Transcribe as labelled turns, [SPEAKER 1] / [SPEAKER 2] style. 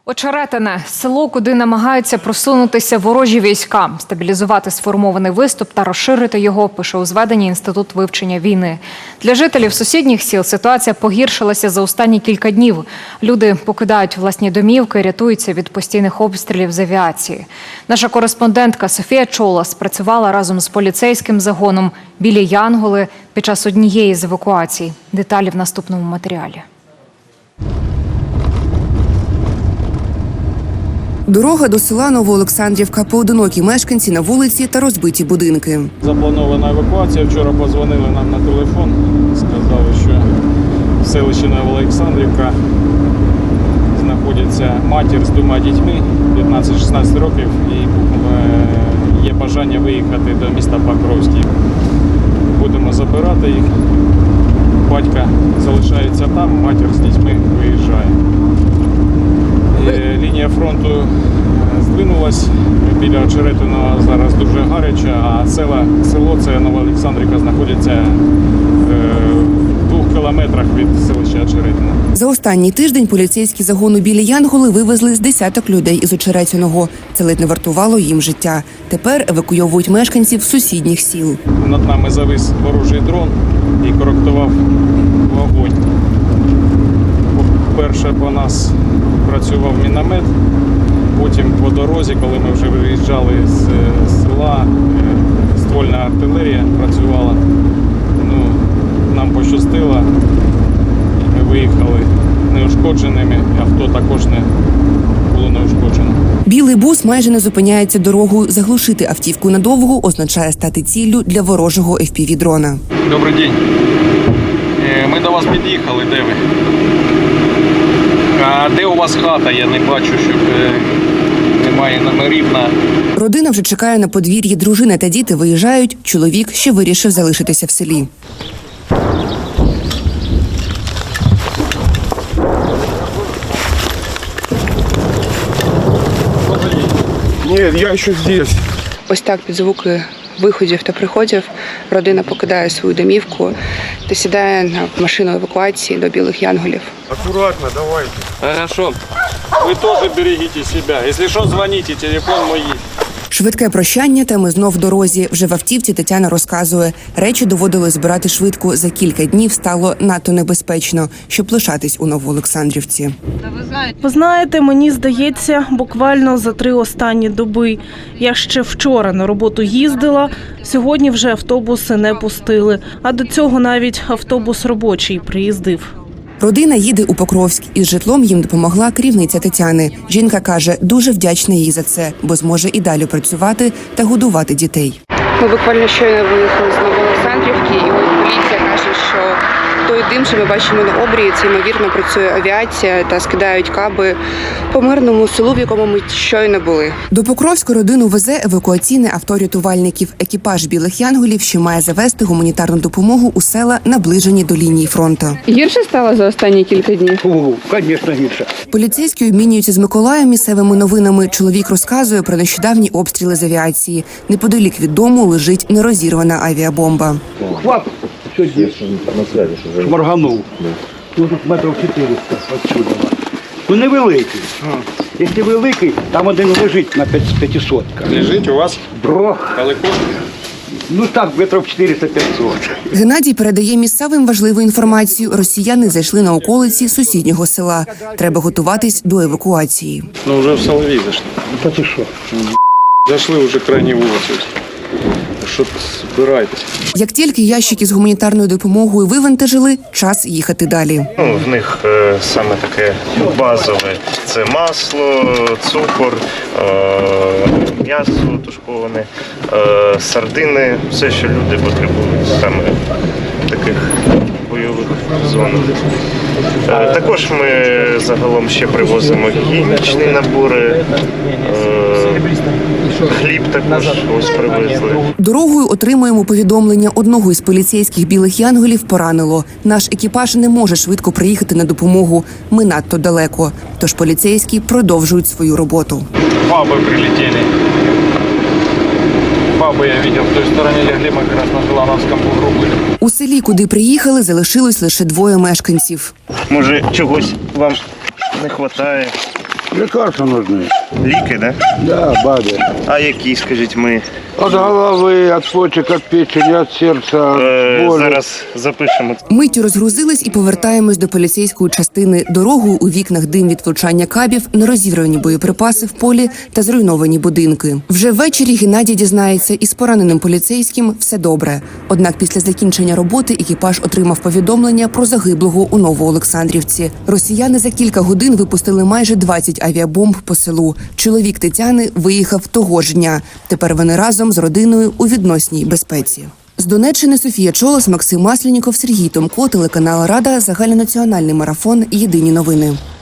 [SPEAKER 1] Очеретине – село, куди намагаються просунутися ворожі війська, стабілізувати сформований виступ та розширити його, пише у зведенні Інститут вивчення війни. Для жителів сусідніх сіл ситуація погіршилася за останні кілька днів. Люди покидають власні домівки, рятуються від постійних обстрілів з авіації. Наша кореспондентка Софія Чолас працювала разом з поліцейським загоном «Білі Янголи» під час однієї з евакуацій. Деталі в наступному матеріалі.
[SPEAKER 2] Дорога до села Новоолександрівка. Поодинокі мешканці на вулиці та розбиті будинки.
[SPEAKER 3] Запланована евакуація. Вчора подзвонили нам на телефон. Сказали, що в селищі Новоолександрівка знаходиться матір з двома дітьми 15-16 років і є бажання виїхати до міста Покровський. Будемо забирати їх. Батько залишається там, матір з дітьми виїжджає. Лінія фронту здвинулась, біля Очеретиного зараз дуже гаряче, а село це Новоолександрівка знаходиться в 2 кілометрах від селища Очеретине.
[SPEAKER 2] За останній тиждень поліцейські загону «Білі Янголи» вивезли з десяток людей із Очеретиного. Це ледь не вартувало їм життя. Тепер евакуйовують мешканців сусідніх сіл.
[SPEAKER 3] Над нами завис ворожий дрон і коректував вогонь. Перше по нас працював міномет, потім по дорозі, коли ми вже виїжджали з села, ствольна артилерія працювала. Нам пощастило, і ми виїхали неушкодженими, авто також не було неушкоджено.
[SPEAKER 2] Білий бус майже не зупиняється дорогою. Заглушити автівку надовго означає стати ціллю для ворожого FPV-дрона.
[SPEAKER 3] Добрий день. Ми до вас під'їхали, де ви? А де у вас хата? Я не бачу, щоб немає номерів на...
[SPEAKER 2] Родина вже чекає на подвір'ї. Дружина та діти виїжджають. Чоловік ще вирішив залишитися в селі.
[SPEAKER 4] Ні, я ще здесь.
[SPEAKER 5] Ось так під звуки виходів та приходів родина покидає свою домівку та сідає на машину евакуації до Білих Янголів.
[SPEAKER 4] Аккуратно, давайте.
[SPEAKER 3] Хорошо. Ви теж берегите себе. Якщо що, дзвоніть, телефон мій.
[SPEAKER 2] Швидке прощання, та ми знов в дорозі. Вже в автівці Тетяна розказує. Речі доводилось збирати швидко. За кілька днів стало надто небезпечно, щоб лишатись у Новоолександрівці.
[SPEAKER 6] Ви знаєте, мені здається, буквально за 3 останні доби. Я ще вчора на роботу їздила, сьогодні вже автобуси не пустили. А до цього навіть автобус робочий приїздив.
[SPEAKER 2] Родина їде у Покровськ. Із житлом їм допомогла керівниця Тетяни. Жінка каже, дуже вдячна їй за це, бо зможе і далі працювати та годувати дітей.
[SPEAKER 5] Ми буквально щойно виїхали з Новоолександрівки, і поліція каже, що той дим, що ми бачимо на обрії, це, ймовірно, працює авіація та скидають каби по мирному селу, в якому ми щойно були.
[SPEAKER 2] До Покровська родину везе евакуаційне авто рятувальників. Екіпаж «Білих Янголів» ще має завести гуманітарну допомогу у села, наближені до лінії фронту.
[SPEAKER 5] Гірше стало за останні кілька днів?
[SPEAKER 4] Звісно, гірше.
[SPEAKER 2] Поліцейські обмінюються з Миколаєм місцевими новинами. Чоловік розказує про нещодавні обстріли з авіації. Неподалік від дому лежить нерозірвана авіабомба.
[SPEAKER 4] Хват сьогодні шморганув. Тут метрів 400 отсюда. Ну невеликий. Якщо великий, там один лежить на 500.
[SPEAKER 3] Лежить у вас далеко?
[SPEAKER 4] Ну так, метрів 400-500.
[SPEAKER 2] Геннадій передає місцевим важливу інформацію. Росіяни зайшли на околиці сусіднього села. Треба готуватись до евакуації.
[SPEAKER 3] Ну вже в Соловій зайшли.
[SPEAKER 4] Та ти що?
[SPEAKER 3] Зайшли вже крайні вулиці. Що збираєтесь?
[SPEAKER 2] Як тільки ящики з гуманітарною допомогою вивантажили, час їхати далі.
[SPEAKER 7] В них саме таке базове – це масло, цукор, м'ясо тушковане, сардини, все, що люди потребують саме в таких бойових зонах. Також ми загалом ще привозимо гігієнічні набори, хліб також ось привезли.
[SPEAKER 2] Дорогою отримуємо повідомлення. Одного із поліцейських «Білих Янголів» поранило. Наш екіпаж не може швидко приїхати на допомогу. Ми надто далеко. Тож поліцейські продовжують свою роботу.
[SPEAKER 3] Бабы прилетели. Бабы я видел в той стороне легли, мы как раз на Желановском бугру были.
[SPEAKER 2] У селі, куди приїхали, залишилось лише 2 мешканців.
[SPEAKER 7] Може, чогось вам не вистачає?
[SPEAKER 8] Лекарства нужны.
[SPEAKER 7] Ліки, да?
[SPEAKER 8] Да, бабе.
[SPEAKER 7] А які, скажіть, ми
[SPEAKER 8] От головы, от почек, от печени, от сердца, от боли.
[SPEAKER 7] зараз запишемо.
[SPEAKER 2] Миттю розгрузились і повертаємось до поліцейської частини. Дорогою у вікнах дим від влучання кабів, нерозірвані боєприпаси в полі та зруйновані будинки. Вже ввечері Геннадій дізнається, із пораненим поліцейським все добре. Однак після закінчення роботи екіпаж отримав повідомлення про загиблого у Новоолександрівці. Росіяни за кілька годин випустили майже 20 авіабомб по селу. Чоловік Тетяни виїхав того ж дня. Тепер вони разом з родиною у відносній безпеці. З Донеччини Софія Чолос, Максим Масленіков, Сергій Томко, телеканал Рада, загальнонаціональний марафон. Єдині новини.